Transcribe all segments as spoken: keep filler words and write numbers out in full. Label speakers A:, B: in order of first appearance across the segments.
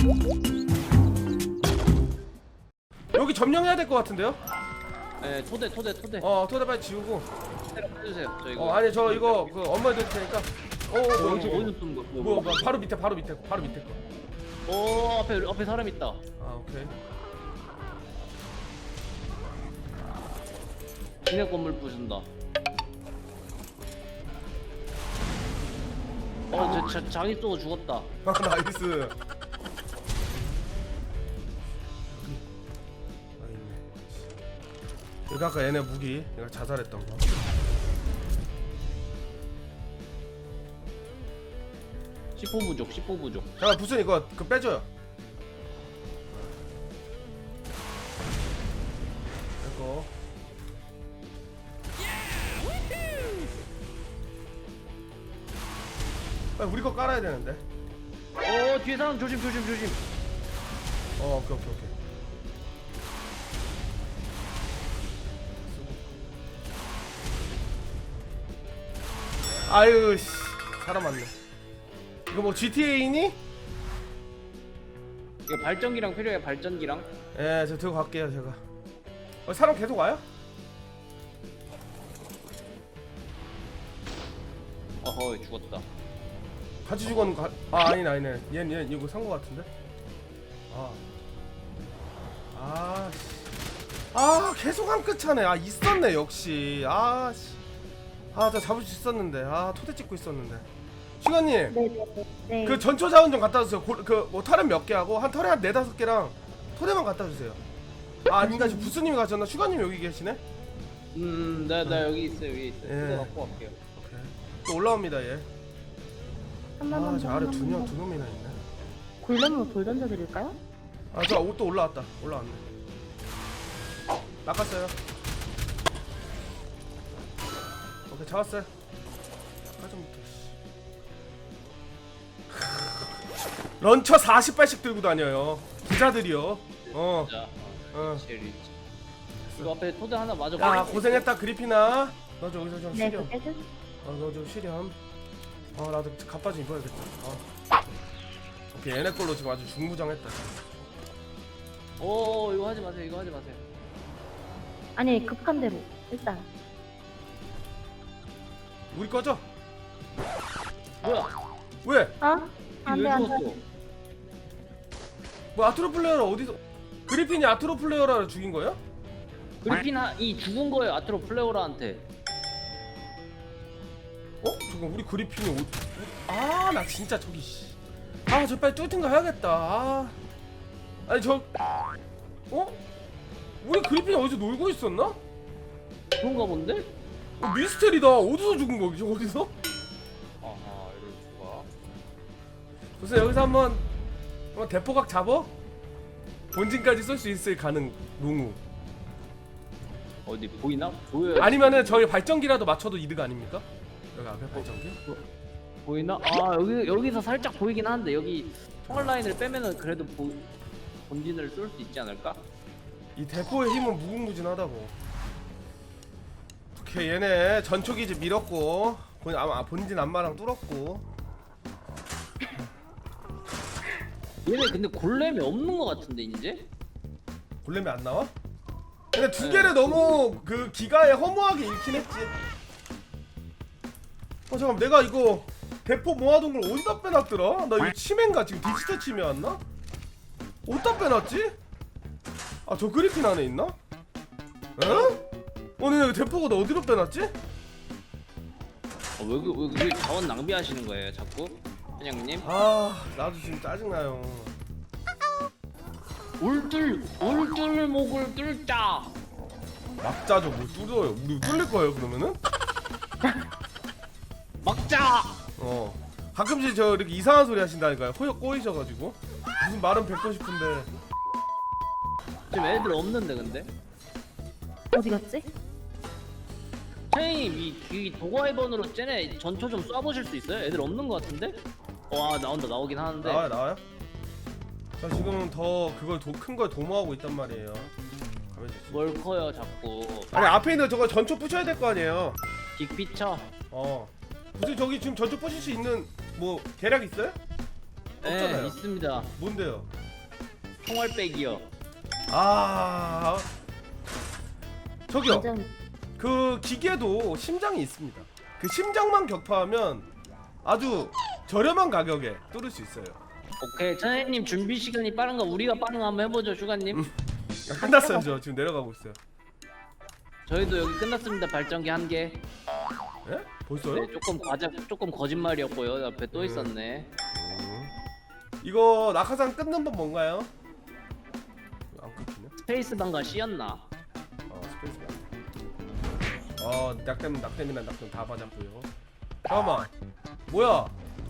A: 여기 점령해야 될 것 같은데요?
B: 네, 토대 토대 토대.
A: 어 토대 빨리 지우고.
B: 해주세요. 저 이거.
A: 어 아니 저 이거 그 엄마 드릴 테니까. 어, 어,
B: 어,
A: 뭐,
B: 어디서
A: 뭐,
B: 어디서 쏘는 거?
A: 뭐, 뭐, 뭐, 바로 밑에, 바로 밑에, 바로 밑에 거.
B: 오, 앞에 앞에 사람 있다.
A: 아 오케이.
B: 기내 건물 부순다. 어, 저, 저 장이 쏘고 죽었다.
A: 아 나이스. 여기 아까 얘네 무기 내가 자살했던 거.
B: 십호 부족, 십호 부족.
A: 잠깐 무슨 이거 그 빼줘요. 이거. 빨리 우리 거 깔아야 되는데.
B: 어, 뒤에 사람 조심 조심 조심.
A: 어 오케이 오케이 오케이. 아유 씨 사람 많네. 이거 뭐 지티에이니?
B: 이거 발전기랑 필요해, 발전기랑.
A: 예, 저 들고 갈게요 제가. 어, 사람 계속 와요?
B: 어허, 죽었다.
A: 같이 죽었는 거. 아 아니네 아니네. 얘는 얘 이거 산 거 같은데. 아. 아. 씨. 아 계속 한 끗 차네. 아 있었네 역시. 아 씨. 아 나 잡을 수 있었는데. 아 토대 찍고 있었는데. 시간님.
C: 네네네. 네.
A: 그 전초 자원 좀 갖다 주세요. 그뭐 털에 몇 개 하고 한 털에 한 네다섯 개랑 토대만 갖다 주세요. 아 아닌가 지금 부스님이 가셨나? 슈가님 여기 계시네?
B: 음, 나, 나 여기 있어, 여기 있어.
A: 예.
B: 이거 갖고 갈게요.
A: 오케이. 또 올라옵니다 얘.
C: 한번
A: 아저 아래 두명 두 놈이나 있네.
C: 골렘으로 돌 던져드릴까요?
A: 아 저 옷도 올라왔다. 올라왔네. 낚았어요. 오케이 잡았어요. 까전부터. 런처 사십 발씩 들고 다녀요. 부자들이요. 어.
B: 자,
A: 어.
B: 제일 이거 앞에 토대 하나 맞아.
A: 야 고생했다 그리피나. 너 저기서 좀
C: 네,
A: 쉬렴.
C: 그 깨줄.
A: 어 너 좀 쉬렴. 어 나도 갑바 좀 입어야겠다. 어. 오케이 얘네 걸로 지금 아주 중무장했다.
B: 오, 이거 하지 마세요, 이거 하지 마세요.
C: 아니 급한 대로 일단.
A: 우리 꺼져.
B: 뭐야?
A: 왜?
C: 어? 안돼
B: 왜
C: 안돼.
B: 죽었어?
A: 뭐 아트로 플레이어를 어디서? 그리핀이 아트로 플레이어를 죽인 거야?
B: 그리핀 하, 이 죽은 거예요, 아트로 플레오라한테.
A: 어? 잠깐 우리 그리핀이 어... 아 나 진짜 저기 씨. 아 저 빨리 뚜팅가 해야겠다. 아. 아니 저 어? 우리 그리핀이 어디서 놀고 있었나?
B: 그런가 본데?
A: 어, 미스테리다. 어디서 죽은 거지? 어디서?
B: 아하, 이럴 수가.
A: 무슨 여기서 한번 한번 대포각 잡어? 본진까지 쏠 수 있을 가능 롱우.
B: 어디 보이나? 보여요.
A: 아니면은 저희 발전기라도 맞춰도 이득 아닙니까? 여기 앞에 발전기?
B: 보이나? 아, 여기 여기서 살짝 보이긴 하는데 여기 총알 라인을 빼면은 그래도 보, 본진을 쏠 수 있지 않을까?
A: 이 대포의 힘은 무궁무진하다고. 오케이 얘네 전초기지 밀었고 본, 아, 본진 안마랑 뚫었고.
B: 얘네 근데 골렘이 없는 것 같은데 이제?
A: 골렘이 안 나와? 근데 두
B: 네.
A: 개를 너무 그 기가에 허무하게 잃긴 했지. 어 잠깐 내가 이거 대포 모아둔 걸 어디다 빼놨더라? 나 이거 치매인가 지금 디지털 치매였나? 어디다 빼놨지? 아 저 그리핀 안에 있나? 어? 어 근데 대포가 나 어디로 빼놨지?
B: 어, 왜, 그- 왜, 왜 자원 낭비하시는 거예요 자꾸? 회장님?
A: 아 나도 지금 짜증나요.
B: 울들 울들목을 뚫자.
A: 막자죠 뭐 뚫어요. 우리 뚫릴 거예요 그러면은?
B: 막자.
A: 어 가끔씩 저 이렇게 이상한 소리 하신다니까요. 호역 꼬이셔가지고 무슨 말은 뱉고 싶은데.
B: 지금 애들 없는데 근데?
C: 어디 갔지?
B: 선생님 이, 이 도과이번으로 쟤네 전초 좀 쏴보실 수 있어요? 애들 없는 것 같은데? 와 나온다 나오긴 하는데.
A: 나와요 나와요? 저 지금 더 그걸 큰 걸 도모하고 있단 말이에요. 가만히 있어.
B: 뭘 커요 자꾸.
A: 아니 앞에 있는 저거 전초 부셔야 될 거 아니에요.
B: 빅피처.
A: 어 무슨 저기 지금 전초 부실 수 있는 뭐 계략 있어요?
B: 네,
A: 없잖아요.
B: 있습니다.
A: 뭔데요?
B: 총알백이요.
A: 아 저기요.
C: 완전
A: 그 기계도 심장이 있습니다. 그 심장만 격파하면 아주 저렴한 가격에 뚫을 수 있어요.
B: 오케이, 천혜님 준비 시간이 빠른가 우리가 빠른가 한번 해보죠, 슈가님.
A: 아, 끝났어요. 저 지금 내려가고 있어요.
B: 저희도 여기 끝났습니다. 발전기 한 개.
A: 예? 벌써요?
B: 네, 조금 과자, 조금 거짓말이었고요. 옆에 또
A: 음.
B: 있었네.
A: 음. 이거 낙하산 끊는 법 뭔가요? 안 끊기네.
B: 스페이스 방가 C였나?
A: 어 스페이스가. 어 낙댐 낙댐이나 낙댐 다 맞았고요. 잠깐만. 뭐야?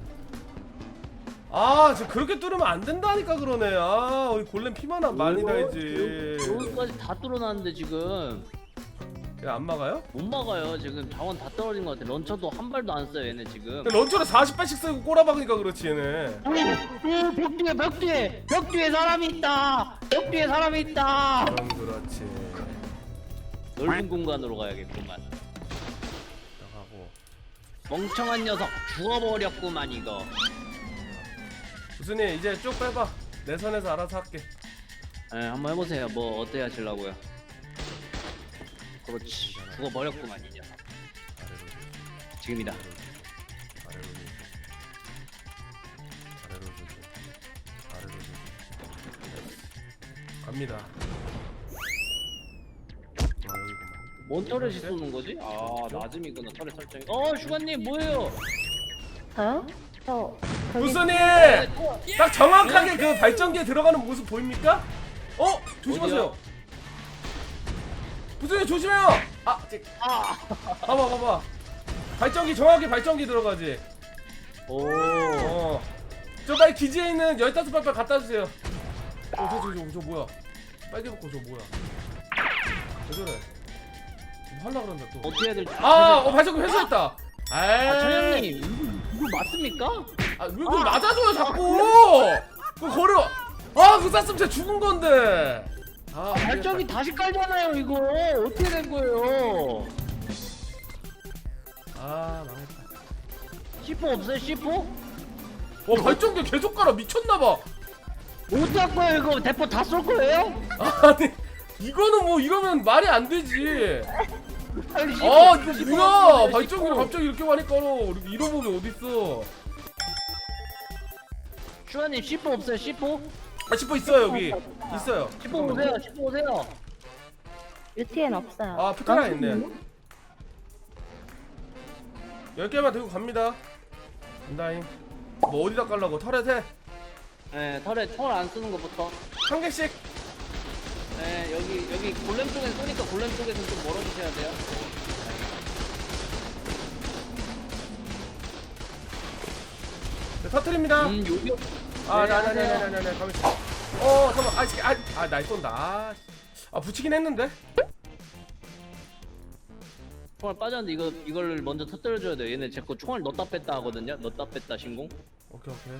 A: 아 지금 그렇게 뚫으면 안 된다니까 그러네. 아 우리 골렘 피만 한 많이 달지.
B: 여기까지 다 뚫어놨는데 지금
A: 야안 막아요?
B: 못 막아요. 지금 자원 다 떨어진 것 같아. 런처도 한 발도 안 써요, 얘네 지금.
A: 런처를 사십 발씩 쓰고 꼬라박으니까 그렇지 얘네.
B: 오, 오, 벽 뒤에, 벽 뒤에, 벽 뒤에 사람이 있다. 벽 뒤에 사람이 있다.
A: 그럼 그렇지.
B: 넓은 공간으로 가야겠구만.
A: 나가고.
B: 멍청한 녀석 죽어버렸구만 이거.
A: 무슨이 이제 쭉 빼봐. 내 선에서 알아서 할게.
B: 네, 한번 해보세요. 뭐 어떻게 하시려고요? 그렇지. 죽어버렸구만 이 녀석. 지금이다.
A: 아래로 좀. 아래로 좀. 아래로 좀. 갑니다. 아 여기구만.
B: 뭔 터렛이 쏘는 거지? 아 낮음이구나 터렛 설정이. 어 슈가님 뭐예요?
C: 저요? 저 저기
A: 무슨이 딱 정확하게 그 발전기에 들어가는 모습 보입니까? 어 조심하세요.
B: 어디요?
A: 무슨이 조심해요. 아, 찌-
B: 아.
A: 봐봐 봐봐. 발전기 정확히 발전기 들어가지.
B: 오.
A: 어. 저 빨리 기지에 있는 열다섯 발 빨리 갖다 주세요. 어, 저, 저, 저, 저 뭐야? 빨개 벗고 저 뭐야? 왜 저래? 뭐 하려 그런다 또.
B: 어떻게 해야 될지.
A: 아, 어 발전기 회수했다.
B: 아
A: 에이.
B: 천영님 이거, 이거 맞습니까?
A: 아, 왜 그걸 맞아줘요 자꾸? 그 거려. 아, 그 쐈으면 진짜 죽은 건데. 아,
B: 발전기 다시 깔잖아요 이거. 어떻게 된 거예요?
A: 아, 망했다.
B: 씨포 없어요 씨포?
A: 와, 발전기 계속 깔아 미쳤나봐.
B: 어떻게 할 거예요 이거? 대포 다 쏠 거예요?
A: 아니, 이거는 뭐 이러면 말이 안 되지.
B: 빨리 씨포,
A: 아, 이거
B: 씨포
A: 뭐야?
B: 없어요,
A: 발전기를
B: 씨포.
A: 갑자기 이렇게 많이 깔어. 이런 법이 어딨어?
B: 슈가님 씨포 없어요 씨포?
A: 아, 지퍼 있어요 여기. 있어요.
B: 씨포 오세요 씨포 오세요.
C: 유티엔 없어요.
A: 아, 피카라
C: 런처
A: 있네.
C: 있나?
A: 열 개만 들고 갑니다. 간다잉. 뭐 어디다 깔라고? 털에
B: 네 털에 털 안 쓰는 것부터.
A: 한 개씩.
B: 네 여기 여기 골렘 쪽에서 쏘니까 골렘 쪽에서 좀 멀어주셔야 돼요.
A: 네, 터트립니다.
B: 음 여기.
A: 아,
B: 네,
A: 나, 나, 나,
B: 하세요.
A: 나, 나, 나, 가만 있어. 어, 잠깐만. 아, 이 새끼, 아, 아, 날 쏜다. 아, 아, 붙이긴 했는데.
B: 총알 빠졌는데 이거 이걸 먼저 터뜨려줘야 돼. 얘네 제 거 총알 넣었다 뺐다 하거든요. 넣었다 뺐다 신공.
A: 오케이, 오케이.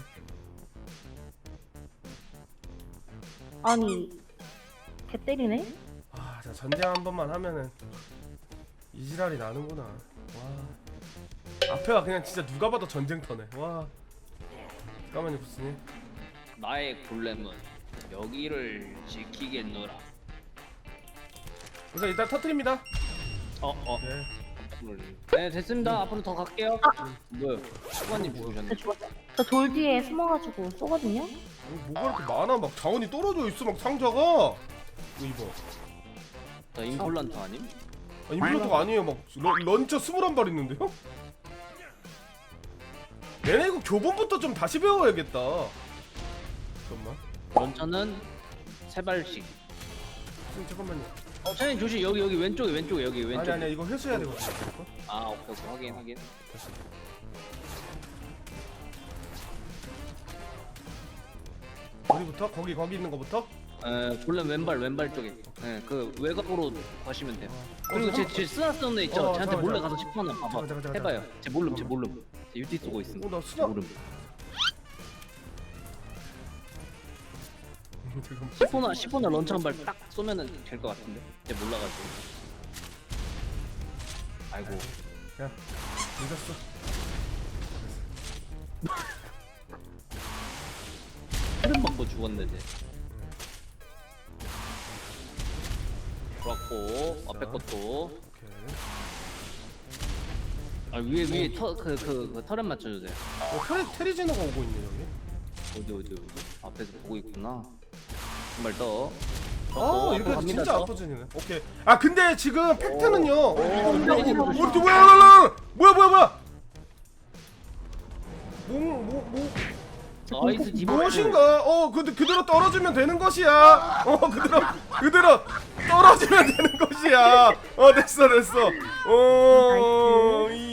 C: 아니 개 때리네.
A: 아, 자, 전쟁 한 번만 하면은 이지랄이 나는구나. 와. 앞에가 그냥 진짜 누가 봐도 전쟁터네. 와. 잠깐만요, 부스님.
B: 나의 골렘은 여기를 지키겠노라.
A: 그래서 일단 터트립니다.
B: 어 어.
A: 네.
B: 네 됐습니다. 앞으로 더 갈게요. 뭐요? 수관님 죽으셨네.
C: 저 죽었어. 저 돌 뒤에 숨어가지고 쏘거든요.
A: 아니, 뭐가 이렇게 많아? 막 자원이 떨어져 있어, 막 상자가. 이거 이거.
B: 저 임플란트 아님?
A: 아, 임플란트가 아니에요. 막 런, 런처 스물한 발 있는데요? 얘네 이거 교본부터 좀 다시 배워야겠다. 잠깐만.
B: 런처는 세 발씩.
A: 지금 잠깐만요.
B: 어, 차장님 조심. 여기 여기 왼쪽에 왼쪽에 여기
A: 아니
B: 왼쪽.
A: 아니 이거 회수해야 되거든. 이거.
B: 아 오케이 오케이 확인 확인.
A: 됐어. 어디부터? 거기 거기 있는 거부터?
B: 에 골렘 왼발 왼발 쪽에. 예, 그 외곽으로 가시면 돼요. 그리고
A: 어,
B: 제 제 쓰나쓰는 애 있죠.
A: 어,
B: 쟤한테
A: 잠깐만,
B: 몰래
A: 잠깐만.
B: 가서 십 번 봐봐.
A: 잠깐만, 잠깐만,
B: 해봐요. 제 몰름 제 몰름. 제 유티 쏘고 있음.
A: 어, 나
B: 제
A: 수나.
B: 모름.
A: 지금
B: 십 호나 십 호나 런처 한 발 딱 쏘면은 될 것 같은데. 쟤 몰라가지고. 아이고.
A: 야 늦었어.
B: 헤드 맞고 죽었네 쟤. 좋았고 앞에
A: 자.
B: 것도.
A: 오케이.
B: 아 위에 위에 터그그 그, 그 터렛 맞춰주세요.
A: 어, 테리, 테리지노가 오고 있네 여기.
B: 어디 어디 어디 앞에서 보고 있구나. 한 발 더.
A: 아 이렇게
B: 갑니다,
A: 진짜
B: 또.
A: 아프지네. 오케이. 아 근데 지금 팩트는요. 어, 어, 뭐야
B: 테리지노
A: 뭐야
B: 조심.
A: 뭐야 뭐야 뭐야 뭐야 뭐야. 뭐뭐뭐
B: 나이스 디버.
A: 무엇인가? 어 그, 그대로 떨어지면 되는 것이야. 어 그대로 그대로 떨어지면 되는 것이야. 어 됐어 됐어. 어